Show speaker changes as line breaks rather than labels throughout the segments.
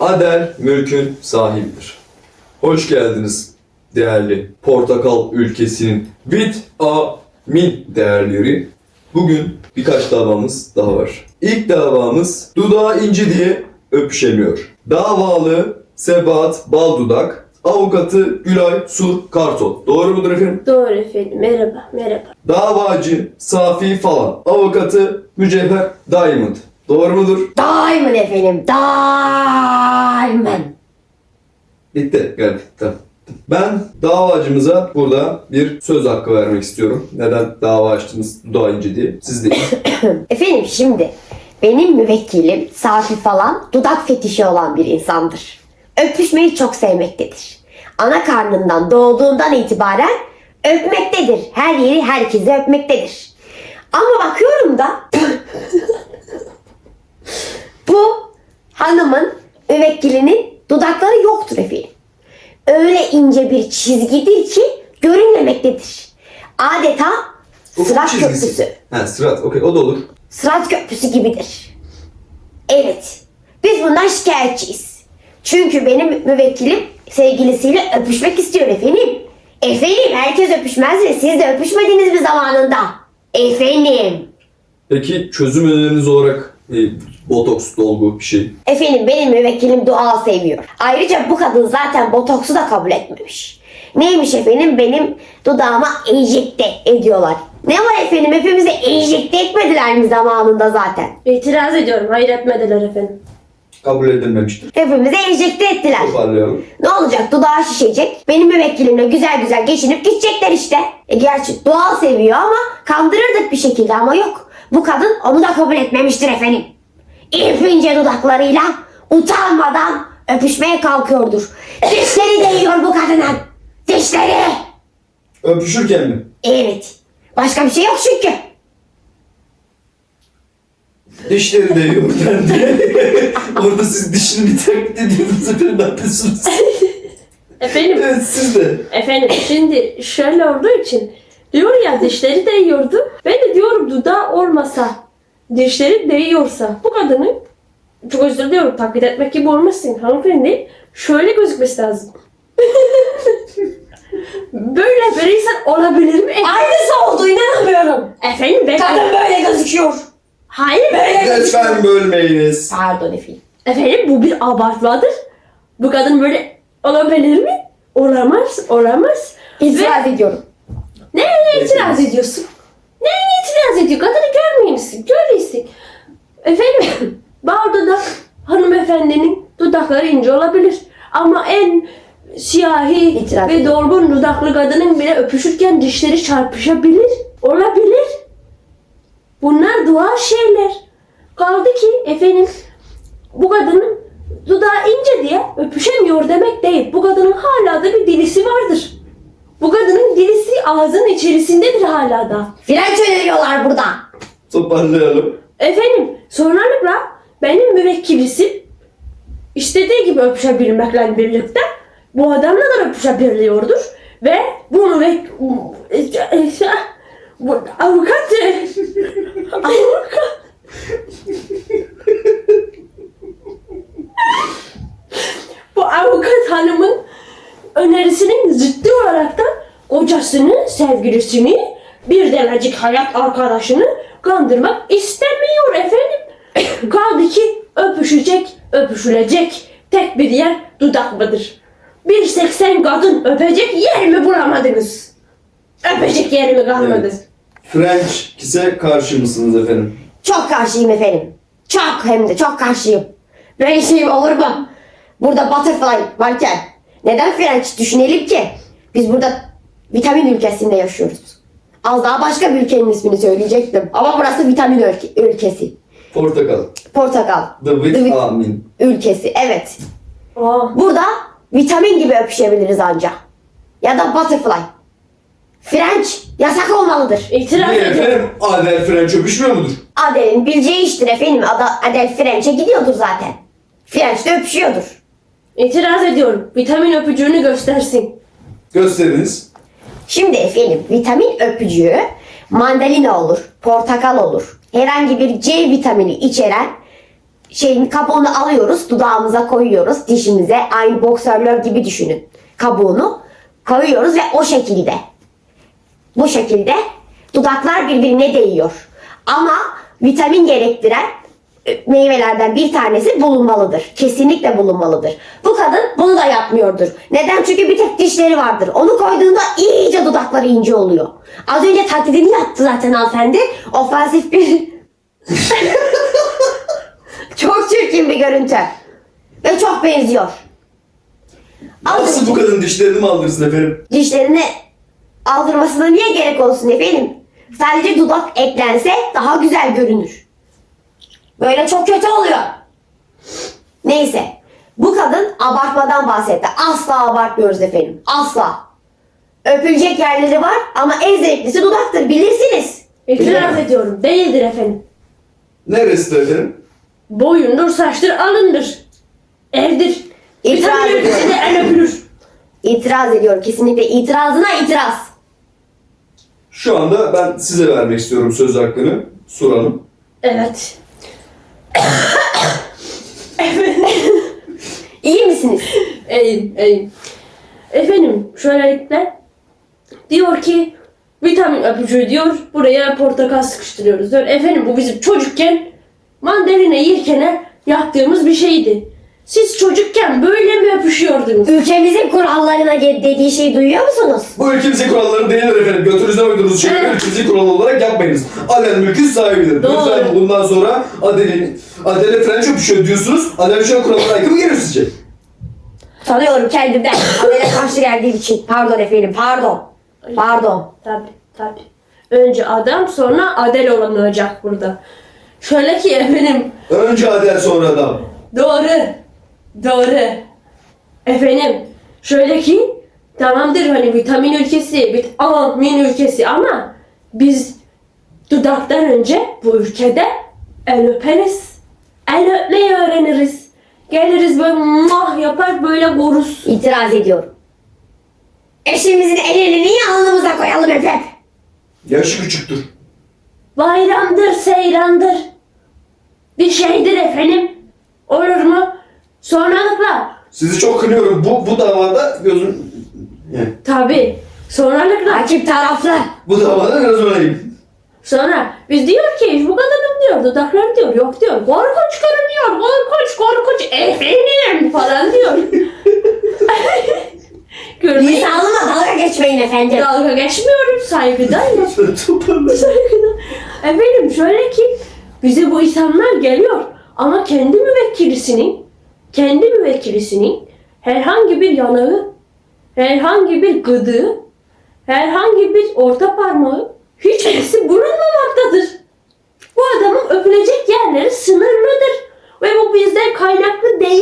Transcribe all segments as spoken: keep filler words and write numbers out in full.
Adel mülkün sahibidir. Hoş geldiniz değerli Portakal ülkesinin vitamin değerleri. Bugün birkaç davamız daha var. İlk davamız dudağı inci diye öpüşemiyor. Davalı Sebahat Baldudak, avukatı Gülay Sur Kartal. Doğru mudur efendim?
Doğru efendim. Merhaba, merhaba.
Davacı Safi Falan, avukatı Mücevher Diamond. Doğru mudur?
Diamond efendim. Diamond.
Bitti. Geldi. Tamam. Ben davacımıza burada bir söz hakkı vermek istiyorum. Neden dava açtınız dudağı ince diye. Siz de
Efendim şimdi benim müvekkilim Safi Falan dudak fetişi olan bir insandır. Öpüşmeyi çok sevmektedir. Ana karnından doğduğundan itibaren öpmektedir. Her yeri herkese öpmektedir. Ama bakıyorum da bu hanımın müvekkilinin dudakları yoktur efendim. Öyle ince bir çizgidir ki görünmemektedir. Adeta Sırat köprüsü.
Ha, sırat. Okey, o da olur.
Sırat köprüsü gibidir. Evet. Biz bundan şikayetçiyiz. Çünkü benim müvekkilim sevgilisiyle öpüşmek istiyor efendim. Efendim herkes öpüşmez mi? Siz de öpüşmediniz mi zamanında? Efendim.
Peki çözüm öneriniz olarak e, botoks, dolgu bir şey.
Efendim benim müvekkilim doğal seviyor. Ayrıca bu kadın zaten botoksu da kabul etmemiş. Neymiş efendim? Benim dudağıma enjekte ediyorlar. Ne var efendim? Hepimize enjekte etmediler mi zamanında zaten?
İtiraz ediyorum. Hayır etmediler efendim.
Kabul edilmemiştir.
Hepimize enjekte ettiler.
Toparlayalım.
Ne olacak? Dudağı şişecek. Benim müvekkilimle güzel güzel geçinip gidecekler işte. E gerçi doğal seviyor ama kandırırdık bir şekilde ama yok. Bu kadın onu da kabul etmemiştir efendim. İpince dudaklarıyla utanmadan öpüşmeye kalkıyordur. Dişleri değiyor bu kadının. Dişleri.
Öpüşürken mi?
Evet. Başka bir şey yok çünkü.
Dişleri değiyor dendi. Orada siz dişini bir taklit ediyorsunuz efendim, ne yapıyorsunuz?
Efendim,
Evet, siz de.
efendim şimdi şöyle olduğu için diyor ya dişleri değiyordu. Ben de diyorum dudağı olmasa, dişleri değiyorsa bu kadının, çok özür diliyorum taklit etmek gibi olmasın hanımefendi, şöyle gözükmesi lazım. Böyle bir insan olabilir mi?
Aynısı oldu, inanamıyorum.
Efendim ben...
Kadın böyle gözüküyor.
Hayır
Böyle
Lütfen bölmeyiniz.
Pardon efendim.
efendim bu bir abartmadır. Bu kadın böyle olabilir mi? Olamaz, olamaz.
İtiraz ediyorum.
Neye itiraz ediyorsun? Neye itiraz ediyor? Kadını görmüyor musun? Görüyorsun. Efendim, bal dudak hanımefendinin dudakları ince olabilir. Ama en siyahi
İtiraz
ve
ediyorum.
dolgun dudaklı kadının bile öpüşürken dişleri çarpışabilir. Olabilir. Bunlar doğal şeyler. Kaldı ki efendim bu kadının dudağı ince diye öpüşemiyor demek değil. Bu kadının hala da bir dilisi vardır. Bu kadının dilisi ağzının içerisindedir hala da.
Frenç öneriyorlar burada.
Toparlayalım.
Efendim sonralıkla benim müvekkilisim istediği gibi öpüşebilmekle birlikte bu adamla da öpüşebiliyordur. Ve bu müvek... Bu avukat... avukat... Bu avukat hanımın önerisinin zıttı olarak da kocasını, sevgilisini, bir denecik hayat arkadaşını kandırmak istemiyor efendim. Kaldı ki öpüşecek, öpüşülecek tek bir yer dudak mıdır? bir seksen kadın öpecek yer mi bulamadınız? Öpecek yer mi kalmadı?
Evet. French kiss'e karşı mısınız efendim?
Çok karşıyım efendim. Çok hem de çok karşıyım. Böyle şey olur mu? Burada butterfly varken neden French düşünelim ki? Biz burada vitamin ülkesinde yaşıyoruz. Az daha başka bir ülkenin ismini söyleyecektim. Ama burası vitamin ülke- ülkesi.
Portakal.
Portakal.
The
vit-
vitamin.
ülkesi. Evet.
Aa,
Burada vitamin gibi öpüşebiliriz anca. Ya da butterfly. French yasak olmalıdır.
itiraz
Niye
ediyorum.
efendim? Adel French öpüşmüyor mudur?
Adel'in bileceği iştir efendim. Ada- Adel French'e gidiyordur zaten. French de öpüşüyordur.
İtiraz ediyorum. Vitamin öpücüğünü göstersin.
Gösteriniz.
Şimdi efendim vitamin öpücüğü mandalina olur, portakal olur. Herhangi bir C vitamini içeren şeyin kabuğunu alıyoruz, dudağımıza koyuyoruz, dişimize aynı boksörler gibi düşünün. Kabuğunu koyuyoruz ve o şekilde, bu şekilde dudaklar birbirine değiyor. Ama vitamin gerektiren e, meyvelerden bir tanesi bulunmalıdır. Kesinlikle bulunmalıdır. Bu kadın bunu da yapmıyordur. Neden? Çünkü bir tek dişleri vardır. Onu koyduğunda iyice dudakları ince oluyor. Az önce taklidini yaptı zaten hanımefendi. Ofansif bir... Çok çirkin bir görüntü. Ve çok benziyor. Az
Nasıl
önce
bu kadın dişlerini mi aldırsın efendim?
dişlerini aldırmasına niye gerek olsun efendim? Sadece dudak eklense daha güzel görünür. Böyle çok kötü oluyor. Neyse. Bu kadın abartmadan bahsetti. Asla abartmıyoruz efendim. Asla. Öpülecek yerleri var ama en zevklisi dudaktır. Bilirsiniz.
İtiraz ediyorum. Değildir efendim.
Neresi de efendim?
Boyundur, saçtır, alındır. Evdir.
İtiraz
Vitamin
ediyorum.
ülkesi de el öpülür.
İtiraz ediyor. Kesinlikle itirazına itiraz.
Şu anda ben size vermek istiyorum söz hakkını. Sur Hanım.
Evet.
İyi misiniz?
İyiyim, iyiyim. Efendim, şöylelikle diyor ki vitamin öpücüğü diyor, buraya portakal sıkıştırıyoruz diyor. Efendim bu bizim çocukken mandalina yerken yaptığımız bir şeydi. Siz çocukken böyle mi öpüşüyordunuz?
Ülkemizin kurallarına ge- dediği şeyi duyuyor musunuz?
Bu ülkemizin kuralları değildir efendim. Götünüzden uydurduğunuz şeyleri
Evet.
ülkemizin kuralı olarak yapmayınız. Adel mülkün sahibidir.
Doğru.
Lütfen bundan sonra Adel'in Adel'e fren öpüşüyor diyorsunuz. Adel şu an kurallara aykırı mı geliyor sizce?
Tanıyorum kendimden. Habere karşı geldiğim için. Pardon efendim, pardon. Pardon.
Tabi tabi. Önce adam sonra adel olan olacak burada. Şöyle ki efendim
Önce Adel sonra adam.
doğru. Doğru. Efendim şöyle ki tamamdır hani vitamin ülkesi, vitamin ülkesi ama biz dudaktan önce bu ülkede el öperiz. El öpmeyi öğreniriz. Geliriz böyle mah yapar böyle koruz.
İtiraz ediyorum. Eşimizin elini niye alnımıza koyalım hep hep?
Yaşı küçüktür.
Bayramdır, seyrandır. Bir şeydir efendim. Olur mu? Sonralıkla.
Sizi çok kınıyorum. Bu bu davada gözüm... Yani,
Tabi. Sonralıkla.
Rakip taraflı.
bu davada biraz öneyim.
Sonra biz diyor ki bu kadının diyor dudakları diyor yok diyor. Korkunç görünüyor. Korkunç korkunç efendim falan diyor. Görmeyi
Lisanıma dalga geçmeyin efendim.
dalga geçmiyorum. Saygıdayım.
Toparla.
Saygıdan. Efendim şöyle ki bize bu insanlar geliyor ama kendi müvekkilisinin kendi müvekkilisinin herhangi bir yanağı, herhangi bir gıdığı, herhangi bir orta parmağı hiçbirisi bulunmamaktadır. Bu adamın öpülecek yerleri sınırlıdır ve bu bizden kaynaklı değil.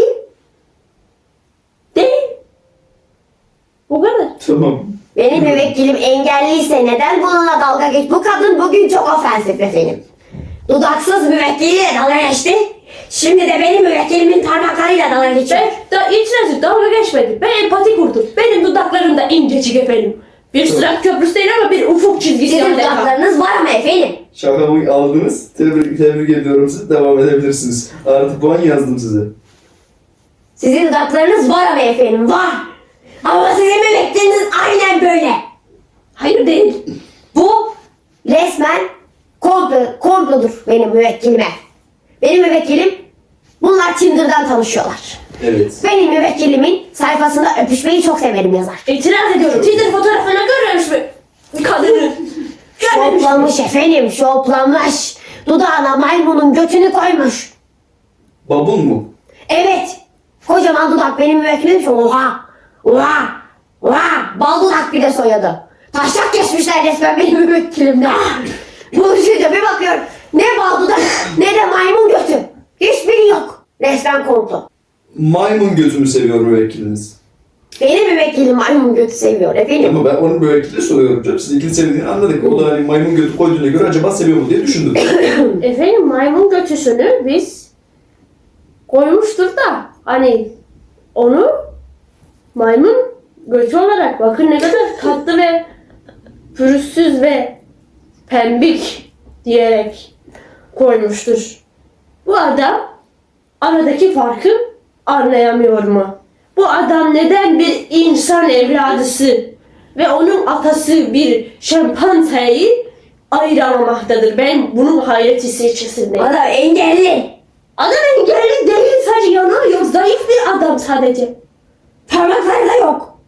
Değil. Bu kadar.
Tamam.
Benim müvekkilim engelliyse neden bununla dalga geç? Bu kadın bugün çok ofensif efendim. Dudaksız müvekkiliyle dalga geçti. Şimdi de benim müvekkilimin parmaklarıyla dalga geçiyor.
Ben da itirazı dalga geçmedim. Ben empati kurdum. Benim dudaklarım da incecik efendim. Bir sırat köprüsü değil ama bir ufuk çizgisi
Sizin
adeta.
dudaklarınız var mı efendim?
Şakamı aldınız. Tebrik, tebrik ediyorum sizi. Devam edebilirsiniz. Artı puan yazdım size.
Sizin dudaklarınız var mı efendim? Var. Ama sizin müvekkiliniz aynen böyle.
Hayır değil.
Bu resmen komplo, komplodur benim müvekkilime. Benim müvekkilim bunlar Tinder'dan tanışıyorlar.
Evet.
Benim müvekkilimin sayfasında öpüşmeyi çok severim yazar.
İtiraz ediyorum. Tinder fotoğrafına görmemiş mi? Kadını. Görmemiş mi?
Şoplamış efendim, şoplamış. Dudağına maymunun götünü koymuş.
Babun mu?
Evet. Kocaman dudak benim müvekkilim şu. Oha. Oha. Oha. Bal dudak bir de soyadı. Taşak geçmişler resmen benim müvekkilimle. Buluşunca bir bakıyorum. Ne bal dudak ne de maymun götü. Hiçbiri yok. Resmen komplo.
Maymun götümü seviyor müvekkiliniz.
Benim müvekkilim maymun götü seviyor efendim.
Ama ben onun müvekkili soruyorum canım. Siz ikili sevdiğini anladık. O da hani maymun götü koyduğuna göre acaba seviyor mu diye düşündüm.
Efendim maymun götüsünü biz koymuştur da hani onu maymun götü olarak bakın ne kadar tatlı ve pürüzsüz ve pembik diyerek koymuştur. Bu adam aradaki farkı anlayamıyor mu? Bu adam neden bir insan evladısı ve onun atası bir şempanzeyi ayıramamaktadır? Ben bunun hayreti içerisindeyim.
Adam engelli.
Adam engelli değil, sadece yanı yok. Zayıf bir adam sadece.
Parmakları da yok.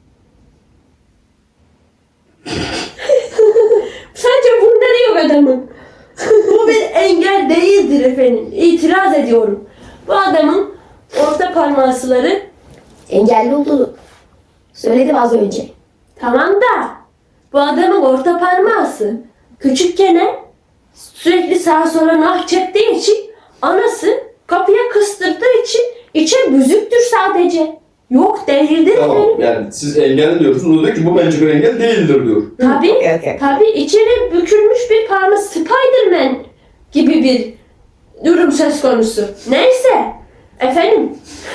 Sadece bunları yok adamın. Bu bir engel değildir efendim. İtiraz ediyorum. Bu adamın orta parmakları
Engelli olduğunu söyledim az önce.
tamam da bu adamın orta parmağı küçükken sürekli sağa sola nah çektiği için anası kapıya kıstırdığı için içe büzüktür sadece. Yok değildir
Tamam
efendim.
yani siz engel diyorsunuz. O diyor ki bu bence bir engel değildir diyor.
Tabii,
Okey, okey.
tabii içeri bükülmüş bir parmak Spiderman gibi bir durum söz konusu. Neyse, efendim.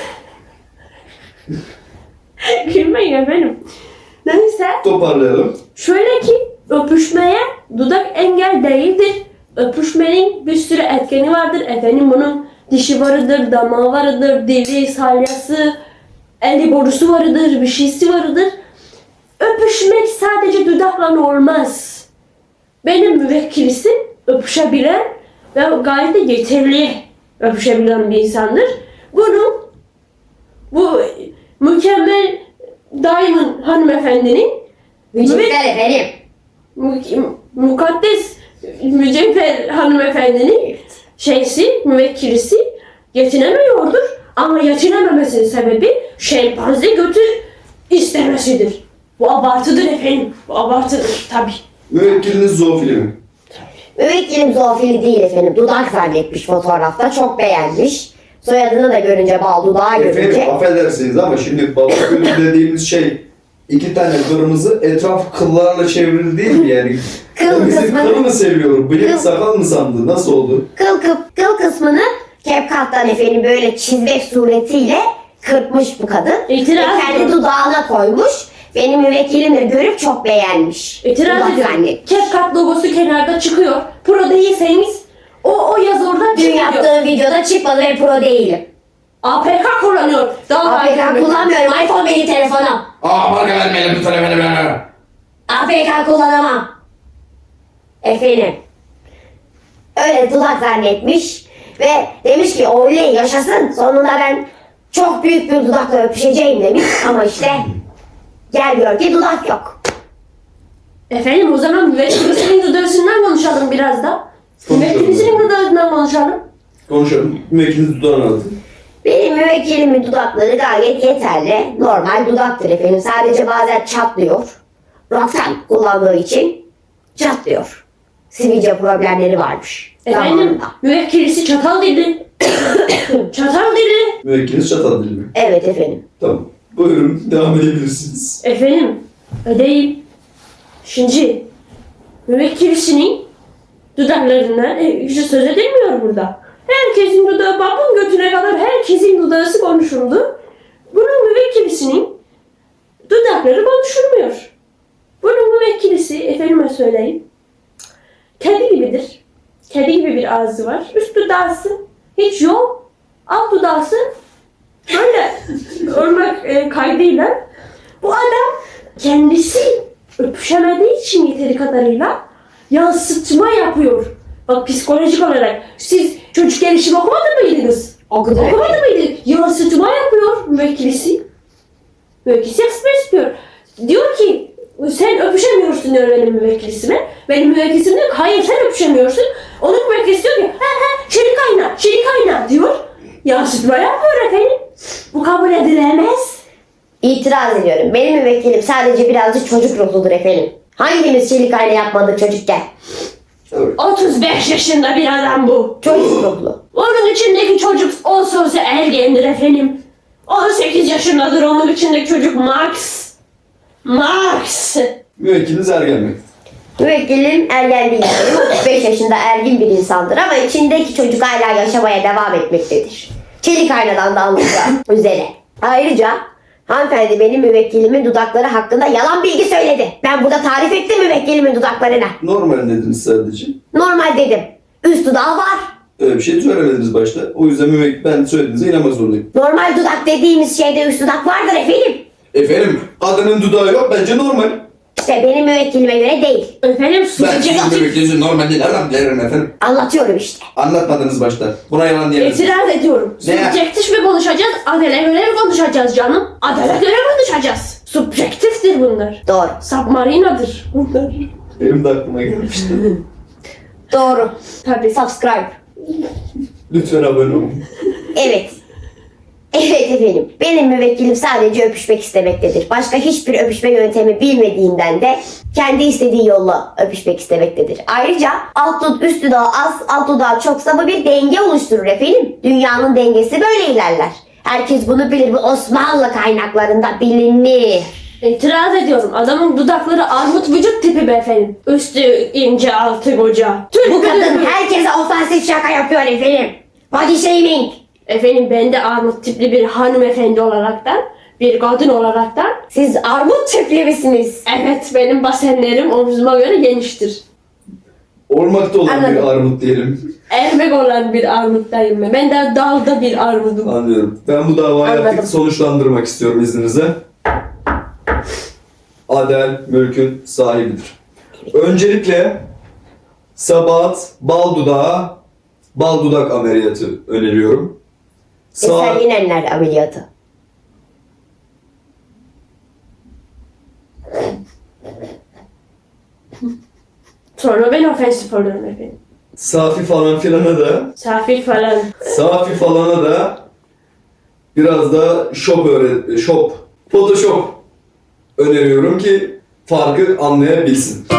Gülmeyin efendim. Neyse,
Toparlayalım.
şöyle ki öpüşmeye dudak engel değildir. Öpüşmenin bir sürü etkeni vardır. Efendim bunun dişi varıdır, damağı varıdır, dili, salyası, eli borusu varıdır, bir şeysi varıdır. Öpüşmek sadece dudakla olmaz. Benim müvekkilisim öpüşebilen ve gayet de yeterli öpüşebilen bir insandır. Bunu bu mükemmel Diamond hanımefendinin
Mücevher efendim.
mü- mukaddes mücevher hanımefendinin şeysi, müvekkilisi yetinemiyordur. Ama yetinememesinin sebebi şempanze götü istemesidir. Bu abartıdır efendim. Bu abartıdır tabii.
Müvekkiliniz zoofili mi?
Müvekkilim zoofili değil efendim. Dudak zannetmiş fotoğrafta. Çok beğenmiş. Soyadını da görünce, bal dudağı görünce.
Efendim affedersiniz ama şimdi baba gölü dediğimiz şey iki tane kırmızı etraf kıllarla çevrili değil mi yani?
Kıl
Bizim
kısmını-
kılı mı seviyorum? Bıyık
Kıl-
sakal mı sandı? Nasıl oldu?
Kıl, kıl, kıl kısmını CapCut'tan efendim böyle çizmek suretiyle kırpmış bu kadın.
İtiraz
Ve kendi
ediyorum.
dudağına koymuş. Benim müvekkilim de görüp çok beğenmiş.
İtiraz
Dudak
ediyorum.
zannetmiş.
CapCut logosu kenarda çıkıyor. Pro değilseniz o, o yazı oradan
Dün
çıkıyor.
yaptığım videoda çıkmadı ve pro değilim.
A P K kullanıyor. Daha
A P K
aydınlık.
kullanmıyorum. iPhone benim telefonum.
Aa marka vermeyelim lütfen efendim.
A P K kullanamam. Efendim. Öyle dudak zannetmiş ve demiş ki oley yaşasın. Sonunda ben çok büyük bir dudakla öpüşeceğim demiş ama işte gel gör ki dudak yok.
Efendim o zaman müvekkilisinin dudağısından konuşalım biraz da.
Konuşalım.
Müvekkilisinin dudağından konuşalım.
Konuşalım. Müvekkiliniz dudağını alın.
Benim müvekkilimin dudakları gayet yeterli. Normal dudaktır efendim. Sadece bazen çatlıyor. Rocktan kullandığı için çatlıyor. Sivilce problemleri varmış.
Efendim
zamanında.
müvekkilisi çatal dilli. Çatal dilli.
Müvekkiliniz çatal dili mi?
Evet efendim.
Tamam. Buyurun devam edebilirsiniz.
Efendim ödeyim. Şimdi müvekkilisinin dudaklarından e, işte söz edilmiyor burada. Herkesin dudağı babın götüne kadar herkesin dudağısı konuşuldu. Bunun müvekkilisinin dudakları konuşulmuyor. Bunun müvekkilisi efendime söyleyeyim kedi gibidir. Kedi gibi bir ağzı var. Üst dudağısı hiç yok. Alt dudağısı böyle örmek e, kaydıyla. Bu adam kendisi öpüşemediği için yeteri kadarıyla yansıtma yapıyor. Bak psikolojik olarak siz çocuk gelişimi okumadı mıydınız?
Okudum.
Okumadı mıydı? Yansıtma yapıyor müvekkilisi. Müvekkilisi yansıtma istiyor. Diyor ki sen öpüşemiyorsun diyor benim müvekkilisime. Benim müvekkilisim diyor ki hayır sen öpüşemiyorsun. Onun müvekkilisi diyor ki he he çelik ayna çelik ayna diyor. Yansıtma yapıyor efendim. Bu kabul edilemez.
İtiraz ediyorum. Benim müvekkilim sadece birazcık çocuk ruhludur efendim. Hangimiz çelik ayna yapmadık çocukken?
Evet.
otuz beş yaşında bir adam bu.
Çocuk ruhlu.
Onun içindeki çocuk olsa olsa ergendir efendim. on sekiz yaşındadır onun içindeki çocuk Max. Max.
Müvekkiliniz ergen mi?
Müvekkilim ergen değil. otuz beş yaşında ergin bir insandır ama içindeki çocuk hala yaşamaya devam etmektedir. Çelik aynadan da anlayacağı üzere. Ayrıca hanımefendi benim müvekkilimin dudakları hakkında yalan bilgi söyledi. Ben burada tarif ettim müvekkilimin dudaklarına.
Normal dediniz sadece.
Normal dedim. Üst dudağı var.
Öyle bir şey söylemediniz başta. O yüzden müvekkil ben söylediğinize inanmak zorundayım.
Normal dudak dediğimiz şeyde üst dudak vardır efendim.
Efendim kadının dudağı yok bence normal.
İşte benim müvekkilime göre değil.
Efendim
Ben
subjektif.
sizin müvekkilinizi normal değil. Nereden bilirim efendim?
Anlatıyorum işte.
Anlatmadınız başta. Buna yalan diyemezsiniz.
İtiraz ediyorum.
Ne?
Subjektif mi konuşacağız, adele göre mi konuşacağız canım? Adele göre konuşacağız. Subjektiftir bunlar.
Doğru.
Submarinadır bunlar.
Benim de aklıma gelmişti.
Doğru.
Tabii.
Subscribe.
Lütfen abone olun.
Evet. Evet efendim. Benim müvekkilim sadece öpüşmek istemektedir. Başka hiçbir öpüşme yöntemi bilmediğinden de kendi istediği yolla öpüşmek istemektedir. Ayrıca alt dud üst dudağı az, alt dudağı çoksa bu bir denge oluşturur efendim. Dünyanın dengesi böyle ilerler. Herkes bunu bilir. Bu Osmanlı kaynaklarında bilinir.
İtiraz ediyorum. Adamın dudakları armut vücut tipi be efendim. Üstü ince, altı koca. Türk
Bu kadın
müdür?
herkese ofansif şaka yapıyor efendim. Body shaming.
Efendim ben de armut tipli bir hanımefendi olaraktan, bir kadın olaraktan.
Siz armut tipli misiniz?
Evet, benim basenlerim omzuma göre geniştir.
Olmakta olan bir
Anladım.
armut diyelim.
Ermek olan bir armuttayım ben. Ben de dalda bir armudum.
Anlıyorum. Ben bu davayı
Anladım.
artık sonuçlandırmak istiyorum izninizle. Adel mülkün sahibidir. Öncelikle Sabahat bal dudağı, bal dudak ameliyatı öneriyorum. Sağ,
Eser Yenenler ameliyatı.
Sonra ben ofensif oluyorum efendim.
Safi falan filana da,
Safil falan.
Safi falana da biraz da shop öğret, shop, photoshop öneriyorum ki farkı anlayabilsin.